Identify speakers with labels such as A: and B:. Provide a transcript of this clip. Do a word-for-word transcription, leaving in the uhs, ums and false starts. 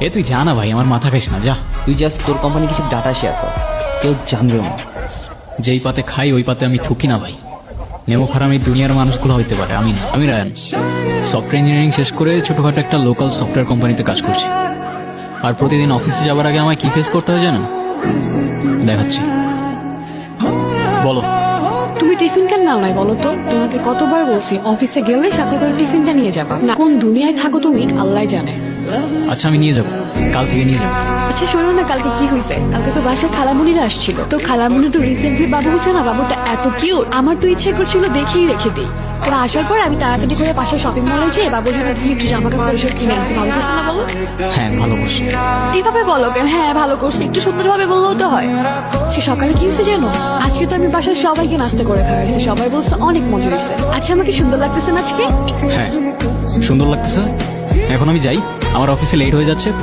A: এ তুই যা না ভাই, আমার মাথা খাইস না, যা।
B: তুই জাস্ট তোর কোম্পানি কিছু ডাটা শেয়ার কর, কেউ জানবেও না।
A: যেই পাতে খাই ওই পাতে আমি থুকি না ভাই। নেমো খারাপ এই দুনিয়ার মানুষগুলো হইতে পারে, আমি না। আমি রায়ান, সফটওয়্যার ইঞ্জিনিয়ারিং শেষ করে ছোটখাটো একটা লোকাল সফটওয়্যার কোম্পানিতে কাজ করছি। আর প্রতিদিন অফিসে যাওয়ার আগে আমায় কি ফেস করতে হয় জানো? দেখাচ্ছি, বলো।
C: তুমি টিফিন কেন নাও নাই বলো তো? তোমাকে কতবার বলছি অফিসে গেলে সাথে করে টিফিনটা নিয়ে যাবা। না কোন দুনিয়ায় থাকো তুমি আল্লাহ জানে।
A: আচ্ছা আমি নিয়ে যাবো, কাল থেকে নিয়ে যাবো।
C: আচ্ছা শোনো না, কালকে কি হয়েছে? কালকে তো বাসায় খালামুনিরা আসছিল, তো খালামুনি তো রিসেন্টলি বাবু হয়েছে না, বাবুটা এত কিউট, আমার তো ইচ্ছে করছিল দেখেই রেখে দিই। ওরা আসার পর আমি তাড়াতাড়ি করে পাশে শপিং মলে যেয়ে বাবুর জন্য গিয়ে একটু জামা কাপড় সব কিনে আনছি। ভালো করছে না বলো?
A: হ্যাঁ ভালো করছি।
C: এইভাবে বলো কেন? হ্যাঁ ভালো করছে, একটু সুন্দরভাবে বললেও তো হয়। সে সকালে কি হয়েছে জানো? আজকে তো আমি বাসায় সবাইকে নাস্তা করে খাওয়াইছি, সবাই বলছে অনেক মজা হয়েছে। আচ্ছা আমাকে সুন্দর লাগতেছে না আজকে?
A: হ্যাঁ সুন্দর লাগতেছে। এখন আমি যাই, আমার অফিসে লেট হয়ে যাচ্ছে।